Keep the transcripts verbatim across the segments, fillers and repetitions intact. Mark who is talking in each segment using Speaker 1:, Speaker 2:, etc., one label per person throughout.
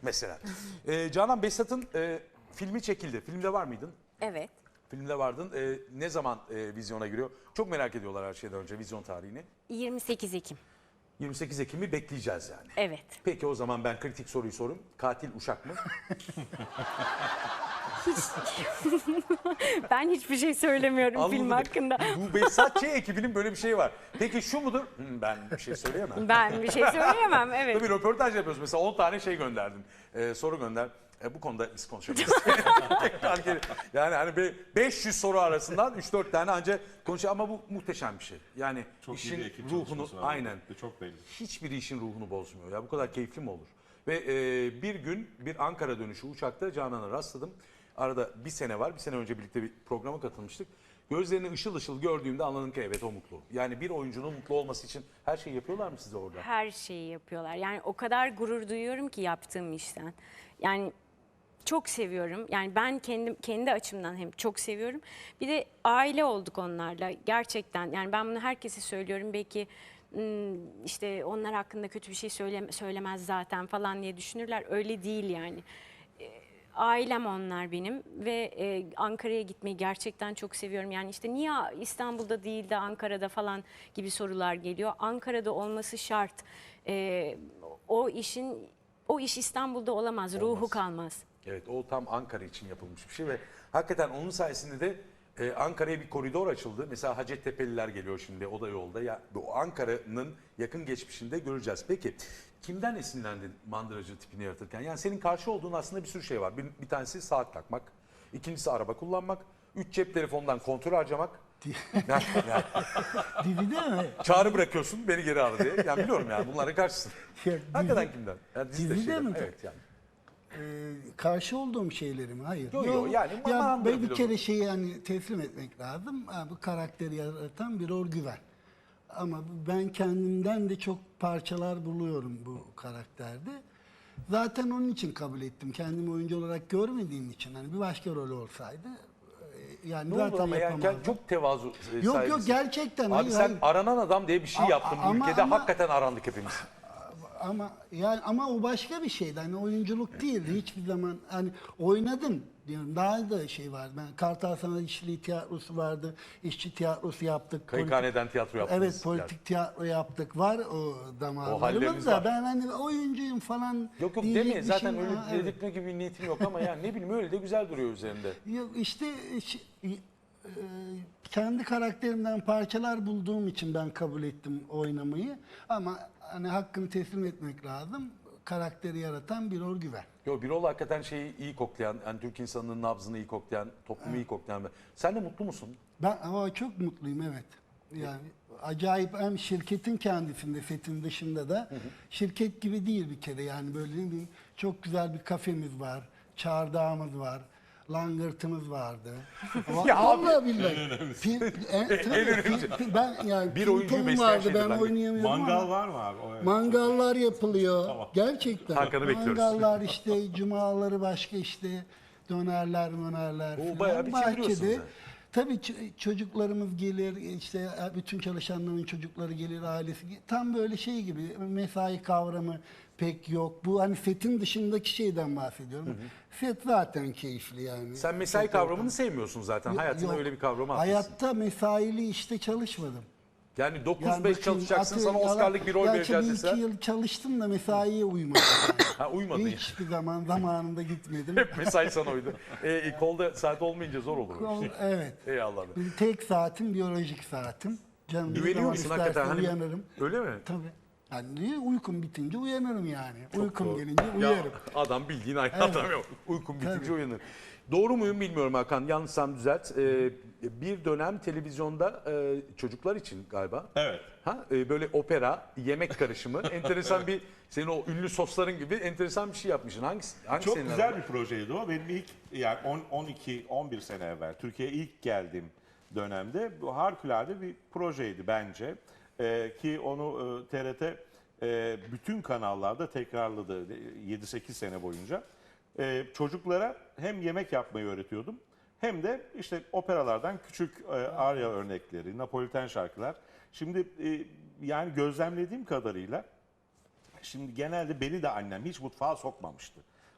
Speaker 1: Mesela. Ee, Canan, Behzat'ın e, filmi çekildi. Filmde var mıydın?
Speaker 2: Evet.
Speaker 1: Filmde vardın. Ee, ne zaman e, vizyona giriyor? Çok merak ediyorlar her şeyden önce vizyon tarihini.
Speaker 2: yirmi sekiz Ekim.
Speaker 1: yirmi sekiz Ekim'i bekleyeceğiz yani.
Speaker 2: Evet.
Speaker 1: Peki o zaman ben kritik soruyu sorayım. Katil uşak mı?
Speaker 2: Hiç... ben hiçbir şey söylemiyorum
Speaker 1: Anladım.
Speaker 2: film hakkında.
Speaker 1: Bu Behzat Ç. ekibinin böyle bir şeyi var. Peki şu mudur? Hmm, ben bir şey söyleyemem.
Speaker 2: Ben bir şey söyleyemem, evet.
Speaker 1: Tabii röportaj yapıyoruz. Mesela on tane şey gönderdin. Ee, soru gönder. E, bu konuda biz konuşabiliriz. Tekrar geri. Yani hani be- beş yüz soru arasından üç dört tane ancak konuşuyor ama bu muhteşem bir şey. Yani
Speaker 3: Çok iyi
Speaker 1: işin
Speaker 3: bir ekip
Speaker 1: ruhunu
Speaker 3: çalışması var.
Speaker 1: aynen.
Speaker 3: Çok belli.
Speaker 1: Hiçbir işin ruhunu bozmuyor. Ya bu kadar keyifli mi olur? Ve e, bir gün bir Ankara dönüşü uçakta Canan'a rastladım. Arada bir sene var. Bir sene önce birlikte bir programa katılmıştık. Gözlerini ışıl ışıl gördüğümde anladım ki evet o mutlu. Yani bir oyuncunun mutlu olması için her şeyi yapıyorlar mı size orada?
Speaker 2: Her şeyi yapıyorlar. Yani o kadar gurur duyuyorum ki yaptığım işten. Yani çok seviyorum. Yani ben kendim kendi açımdan hem çok seviyorum. Bir de aile olduk onlarla gerçekten. Yani ben bunu herkese söylüyorum. Belki ım, işte onlar hakkında kötü bir şey söyle, söylemez zaten falan diye düşünürler. Öyle değil yani. E, Ailem onlar benim ve e, Ankara'ya gitmeyi gerçekten çok seviyorum. Yani işte niye İstanbul'da değil de Ankara'da falan gibi sorular geliyor. Ankara'da olması şart. E, o işin o iş İstanbul'da olamaz, ruhu
Speaker 1: Olmaz.
Speaker 2: kalmaz.
Speaker 1: Evet, o tam Ankara için yapılmış bir şey ve hakikaten onun sayesinde de e, Ankara'ya bir koridor açıldı. Mesela Hacettepe'liler geliyor şimdi, o da yolda. Ya, bu Ankara'nın yakın geçmişinde göreceğiz. Peki kimden esinlendin mandıracı tipini yaratırken? Yani senin karşı olduğun aslında bir sürü şey var. Bir, bir tanesi saat takmak, ikincisi araba kullanmak, üç cep telefonundan kontrol harcamak. yani, yani,
Speaker 4: Dizide mi?
Speaker 1: çağrı bırakıyorsun beni geri ara diye. Yani biliyorum yani bunlara karşısın.
Speaker 4: Ya,
Speaker 1: Hakikaten
Speaker 4: dizi-
Speaker 1: kimden? Yani dizide
Speaker 4: dizide
Speaker 1: şeyler.
Speaker 4: mi?
Speaker 1: Evet yani.
Speaker 4: Ee, karşı olduğum şeyleri mi? Hayır.
Speaker 1: Yo, yo, yani
Speaker 4: ya
Speaker 1: mandır
Speaker 4: ben bir
Speaker 1: filozofu.
Speaker 4: kere şeyi hani teslim etmek lazım. Ha, bu karakteri yaratan bir güven. Ama ben kendimden de çok parçalar buluyorum bu karakterde. Zaten onun için kabul ettim. Kendimi oyuncu olarak görmediğim için. Hani bir başka rol olsaydı e, yani
Speaker 1: Ne
Speaker 4: zaten
Speaker 1: oldu ama yani
Speaker 4: yapamazdım.
Speaker 1: çok tevazu e,
Speaker 4: Yok yok
Speaker 1: sahibisin.
Speaker 4: gerçekten.
Speaker 1: Abi
Speaker 4: hayır,
Speaker 1: sen
Speaker 4: hayır.
Speaker 1: aranan adam diye bir şey
Speaker 4: A-
Speaker 1: yaptın bu
Speaker 4: ama-
Speaker 1: ülkede.
Speaker 4: ama-
Speaker 1: Hakikaten arandık hepimiz.
Speaker 4: Ama yani ama o başka bir şeydi. Hani oyunculuk değildi hiçbir zaman. Hani oynadım diyorum. Daha da şey vardı. Ben Kartal Sanat İşçiliği Tiyatrosu vardı. İşçi tiyatrosu yaptık.
Speaker 1: Kayıkhaneden tiyatro yaptınız.
Speaker 4: Evet, politik tiyatro yaptık. Var o
Speaker 1: halleriniz
Speaker 4: damarlarımız da.
Speaker 1: var.
Speaker 4: Ben hani oyuncuyum falan
Speaker 1: Yok yok
Speaker 4: diyecek
Speaker 1: deme
Speaker 4: bir
Speaker 1: zaten
Speaker 4: şeyim-
Speaker 1: öyle
Speaker 4: Ha, evet.
Speaker 1: dedirtme gibi bir niyetim yok ama yani ne bileyim öyle de güzel duruyor üzerinde.
Speaker 4: Yok işte şi- e, kendi karakterimden parçalar bulduğum için ben kabul ettim oynamayı. Ama hani hakkını teslim etmek lazım. Karakteri yaratan bir güven.
Speaker 1: Yok Birol hakikaten şeyi iyi koklayan, yani Türk insanının nabzını iyi koklayan, toplumu iyi koklayan. Sen de mutlu musun?
Speaker 4: Ben ama çok mutluyum, evet. Yani acayip, hem şirketin kendisinde, setin dışında da şirket gibi değil bir kere, yani böyle bir çok güzel bir kafemiz var, çardağımız var, langırtımız vardı. Va-
Speaker 1: Ya abi,
Speaker 4: Vallahi billahi. Pil- e, tabii,
Speaker 1: önemlisi.
Speaker 4: pil- ben yani
Speaker 1: Bir
Speaker 4: ping
Speaker 1: oyuncuyu
Speaker 4: pong
Speaker 1: besleyen
Speaker 4: vardı,
Speaker 1: şeydir
Speaker 4: ben
Speaker 1: langırt.
Speaker 4: oynayamıyordum ama.
Speaker 3: Mangal var mı abi? O evet.
Speaker 4: Mangallar yapılıyor. Gerçekten.
Speaker 1: Hakan'ı bekliyoruz.
Speaker 4: Mangallar işte, cumaları başka işte, dönerler, mönerler
Speaker 1: Oo,
Speaker 4: falan.
Speaker 1: bayağı bir çeviriyorsunuz yani.
Speaker 4: Tabii ç- çocuklarımız gelir, işte bütün çalışanların çocukları gelir, ailesi. ge- Tam böyle şey gibi, mesai kavramı pek yok. Bu hani setin dışındaki şeyden bahsediyorum. Set zaten keyifli yani.
Speaker 1: Sen mesai
Speaker 4: Set
Speaker 1: kavramını
Speaker 4: ortamı.
Speaker 1: sevmiyorsun zaten.
Speaker 4: Yok,
Speaker 1: Hayatında
Speaker 4: yok.
Speaker 1: öyle bir kavramı atmışsın.
Speaker 4: Hayatta mesaili işte çalışmadım.
Speaker 1: Yani dokuz beş
Speaker 4: Yani bakın,
Speaker 1: çalışacaksın,
Speaker 4: atıyorum,
Speaker 1: sana Oscar'lık bir rol
Speaker 4: gerçi
Speaker 1: vereceğiz
Speaker 4: bir
Speaker 1: deseler.
Speaker 4: iki yıl çalıştım da mesaiye uymadım. Yani.
Speaker 1: Ha uymadın.
Speaker 4: Hiçbir zaman zamanında gitmedim.
Speaker 1: Hep mesai sana uydu. E, e, kolda saat olmayınca zor olur. o iş.
Speaker 4: Evet.
Speaker 1: Ey Allah'ım.
Speaker 4: Bir tek saatim biyolojik saatim. Canım ne
Speaker 1: Güveniyor
Speaker 4: zaman
Speaker 1: musun
Speaker 4: isterse
Speaker 1: hakikaten? Hani,
Speaker 4: uyanırım.
Speaker 1: öyle mi?
Speaker 4: Tabii. Yani uykum bitince uyanırım yani. Uykum
Speaker 1: doğru.
Speaker 4: gelince
Speaker 1: Ya
Speaker 4: uyarım.
Speaker 1: adam bildiğin aynı
Speaker 4: Evet.
Speaker 1: adam yok. Uykum bitince
Speaker 4: Tabii.
Speaker 1: uyanır. Doğru muyum bilmiyorum Hakan. Yanlışsam düzelt. Ee, bir dönem televizyonda e, çocuklar için galiba.
Speaker 3: Evet.
Speaker 1: Ha e, böyle opera, yemek karışımı, enteresan bir senin o ünlü sosların gibi enteresan bir şey yapmışsın. Hangisi? Hangi
Speaker 3: Çok
Speaker 1: senin
Speaker 3: güzel
Speaker 1: arada?
Speaker 3: bir projeydi o. Benim ilk yani on, on iki on bir sene evvel Türkiye'ye ilk geldiğim dönemde bu harikulade bir projeydi bence. Ee, ki onu e, T R T e, bütün kanallarda tekrarladı yedi sekiz sene boyunca. Ee, çocuklara hem yemek yapmayı öğretiyordum hem de işte operalardan küçük e, arya örnekleri, Napoliten şarkılar. Şimdi e, yani gözlemlediğim kadarıyla şimdi genelde beni de annem hiç mutfağa sokmamıştı.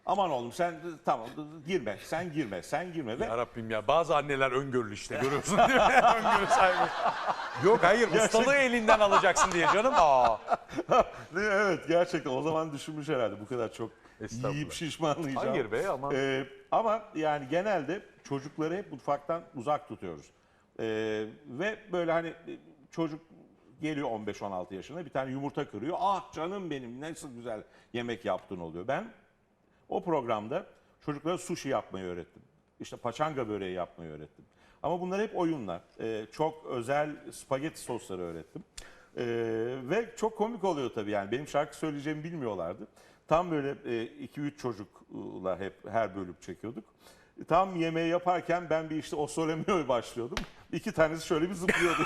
Speaker 3: Aman oğlum sen tamam girme, sen girme, sen girme. Ve
Speaker 1: Ya Rabbim ya bazı anneler öngörülü işte görüyorsun değil mi? Öngörü sahibi. Yok hayır ustalığı elinden alacaksın diye canım. Aa.
Speaker 3: evet gerçekten o zaman düşünmüş herhalde bu kadar çok
Speaker 1: Estağfurullah.
Speaker 3: yiyip şişmanlayacağım.
Speaker 1: Hayır be aman.
Speaker 3: Ee, ama yani genelde çocukları hep mutfaktan uzak tutuyoruz. Ee, ve böyle hani çocuk geliyor on beş on altı yaşına bir tane yumurta kırıyor. Ah canım benim nasıl güzel yemek yaptın oluyor. Ben o programda çocuklara sushi yapmayı öğrettim. İşte paçanga böreği yapmayı öğrettim. Ama bunlar hep oyunlar. Ee, çok özel spagetti sosları öğrettim. Ee, ve çok komik oluyor tabii yani. Benim şarkı söyleyeceğimi bilmiyorlardı. Tam böyle iki üç çocukla hep her bölüm çekiyorduk. Tam yemeği yaparken ben bir işte o sole mio başlıyordum. İki tanesi şöyle bir zıplıyordu.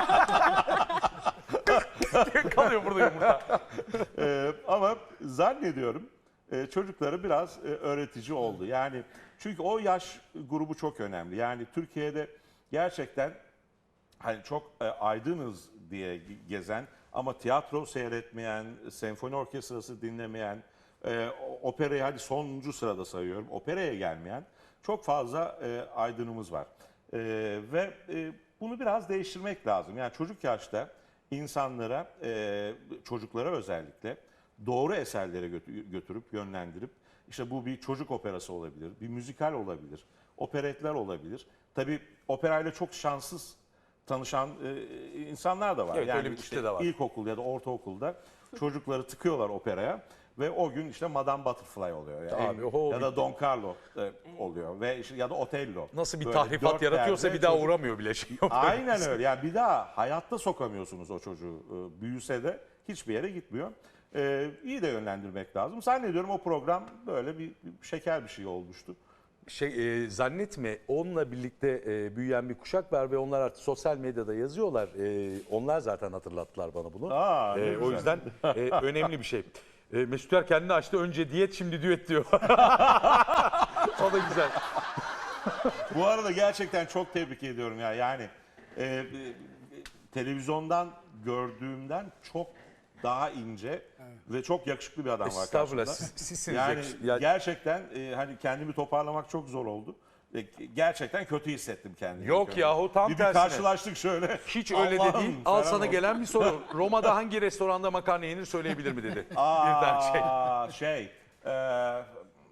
Speaker 1: Kalıyor burada yumurta.
Speaker 3: Ee, ama zannediyorum e, çocuklara biraz e, öğretici oldu. Yani çünkü o yaş grubu çok önemli. Yani Türkiye'de gerçekten hani çok e, aydınız diye gezen ama tiyatro seyretmeyen, senfoni orkestrası dinlemeyen, e, operayı hadi sonuncu sırada sayıyorum, operaya gelmeyen çok fazla e, aydınımız var. E, ve e, bunu biraz değiştirmek lazım. Yani çocuk yaşta insanlara, e, çocuklara özellikle doğru eserlere götü- götürüp yönlendirip işte bu bir çocuk operası olabilir, bir müzikal olabilir, operetler olabilir. Tabii operayla çok şanssız tanışan e, insanlar da var.
Speaker 1: Evet,
Speaker 3: yani
Speaker 1: öyle bir
Speaker 3: işte
Speaker 1: kitle de var.
Speaker 3: ilkokul ya da ortaokulda çocukları tıkıyorlar operaya ve o gün işte Madame Butterfly oluyor. Yani
Speaker 1: Abi, oho,
Speaker 3: ya da
Speaker 1: bitti.
Speaker 3: Don Carlo e, oluyor ve işte, ya da Otello.
Speaker 1: Nasıl bir
Speaker 3: Böyle
Speaker 1: tahrifat
Speaker 3: dört
Speaker 1: yaratıyorsa
Speaker 3: perde
Speaker 1: bir daha
Speaker 3: çocuk-
Speaker 1: uğramıyor bile şey.
Speaker 3: Aynen öyle. Yani bir daha hayatta sokamıyorsunuz o çocuğu. Ee, Büyüse de hiçbir yere gitmiyor. Ee, iyi de yönlendirmek lazım. Zannediyorum o program böyle bir, bir şeker bir şey olmuştu.
Speaker 1: Şey e, zannetme onunla birlikte e, büyüyen bir kuşak var ve onlar artık sosyal medyada yazıyorlar. E, onlar zaten hatırlattılar bana bunu.
Speaker 3: Aa, ne
Speaker 1: E, o
Speaker 3: güzel.
Speaker 1: yüzden e, önemli bir şey. E, Mesut Yer kendini açtı önce diyet şimdi düet diyor. O da güzel.
Speaker 3: Bu arada gerçekten çok tebrik ediyorum ya. Yani e, e, televizyondan gördüğümden çok daha ince ve çok yakışıklı bir adam var
Speaker 1: Estağfurullah
Speaker 3: karşımda.
Speaker 1: siz, sizsiniz.
Speaker 3: Yani
Speaker 1: yakış- ya-
Speaker 3: gerçekten e, hani kendimi toparlamak çok zor oldu. E, gerçekten kötü hissettim kendimi.
Speaker 1: Yok yahu, tam
Speaker 3: bir, bir
Speaker 1: tersine.
Speaker 3: karşılaştık şöyle.
Speaker 1: Hiç öyle de
Speaker 3: Allah'ım
Speaker 1: değil. Al
Speaker 3: falan
Speaker 1: sana
Speaker 3: oldu.
Speaker 1: gelen bir soru. Roma'da hangi restoranda makarna yenir söyleyebilir mi dedi. Birden şey.
Speaker 3: Aa, şey. e,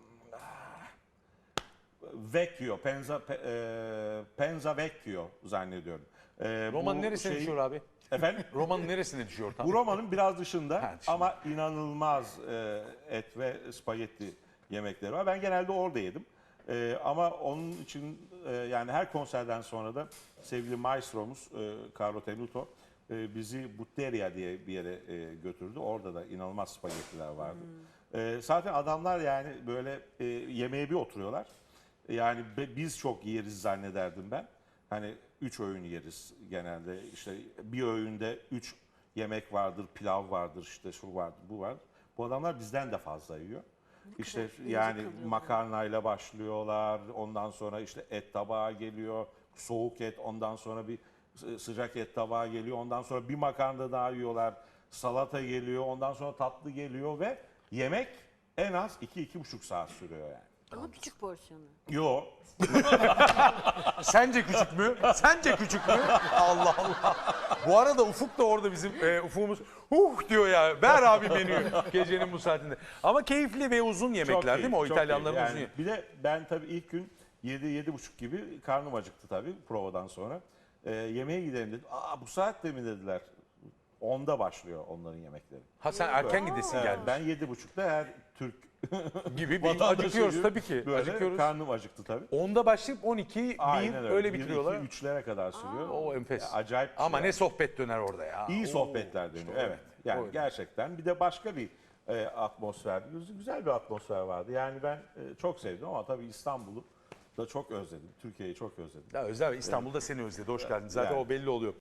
Speaker 3: Vecchio, Penza, Pe- e, Penza Vecchio zannediyorum. E,
Speaker 1: Roma'nın
Speaker 3: bu
Speaker 1: neresine
Speaker 3: şeyi-
Speaker 1: düşüyor abi?
Speaker 3: Efendim?
Speaker 1: Roma'nın neresine düşüyor tam?
Speaker 3: Bu Roma'nın biraz dışında
Speaker 1: Ha, dışında.
Speaker 3: ama inanılmaz e, et ve spagetti yemekleri var. Ben genelde orada yedim. E, ama onun için e, yani her konserden sonra da sevgili maestromuz e, Carlo Tenuto e, bizi Butteria diye bir yere e, götürdü. Orada da inanılmaz spagettiler vardı. E, zaten adamlar yani böyle e, yemeğe bir oturuyorlar. Yani be- biz çok yeriz zannederdim ben. Hani üç öğün yeriz genelde. İşte bir öğünde üç yemek vardır, pilav vardır, işte şu vardır, bu vardır. Bu adamlar bizden de fazla yiyor. İşte yani makarnayla başlıyorlar. Ondan sonra işte et tabağı geliyor. Soğuk et, ondan sonra bir sı- sıcak et tabağı geliyor. Ondan sonra bir makarna daha yiyorlar. Salata geliyor, ondan sonra tatlı geliyor ve yemek en az iki iki buçuk saat sürüyor yani.
Speaker 2: Ama küçük porsiyonu.
Speaker 3: Yo,
Speaker 1: Sence küçük mü? Sence küçük mü? Allah Allah. Bu arada Ufuk da orada bizim e, Ufuk'umuz huh diyor ya. Ver abi menüyü gecenin bu saatinde. Ama keyifli ve uzun yemekler
Speaker 3: Çok
Speaker 1: değil mi? O
Speaker 3: iyi, çok
Speaker 1: İtalyanların
Speaker 3: iyi.
Speaker 1: uzun
Speaker 3: Yani
Speaker 1: yemek.
Speaker 3: bir de ben tabii ilk gün yedi yedi buçuk gibi karnım acıktı tabii provadan sonra. Ee, yemeğe gidelim dedim. Aa bu saatte mi dediler. onda başlıyor onların yemekleri.
Speaker 1: Ha sen erken gidesin
Speaker 3: Evet,
Speaker 1: gelmiş.
Speaker 3: ben yedi buçukta her Türk
Speaker 1: Gibi bir
Speaker 3: vatandaşı
Speaker 1: acıkıyoruz
Speaker 3: gibi
Speaker 1: tabii ki.
Speaker 3: Böyle
Speaker 1: Acıkıyoruz.
Speaker 3: karnım acıktı tabii.
Speaker 1: Onda başlayıp on iki, bir
Speaker 3: Aynen
Speaker 1: öyle
Speaker 3: Bir,
Speaker 1: bitiriyorlar.
Speaker 3: iki, üçlere kadar sürüyor.
Speaker 1: O enfes.
Speaker 3: Ya, acayip. bir
Speaker 1: Ama
Speaker 3: şey
Speaker 1: ne sohbet döner orada ya.
Speaker 3: İyi
Speaker 1: Oo.
Speaker 3: sohbetler dönüyor.
Speaker 1: İşte o-
Speaker 3: Evet. Yani
Speaker 1: o-
Speaker 3: gerçekten bir de başka bir e, atmosfer, güz- güzel bir atmosfer vardı. Yani ben e, çok sevdim ama tabii İstanbul'u da çok özledim. Türkiye'yi çok özledim.
Speaker 1: Ya Özel İstanbul'da seni özledi. Hoş geldin. Zaten
Speaker 3: Yani.
Speaker 1: o belli oluyor.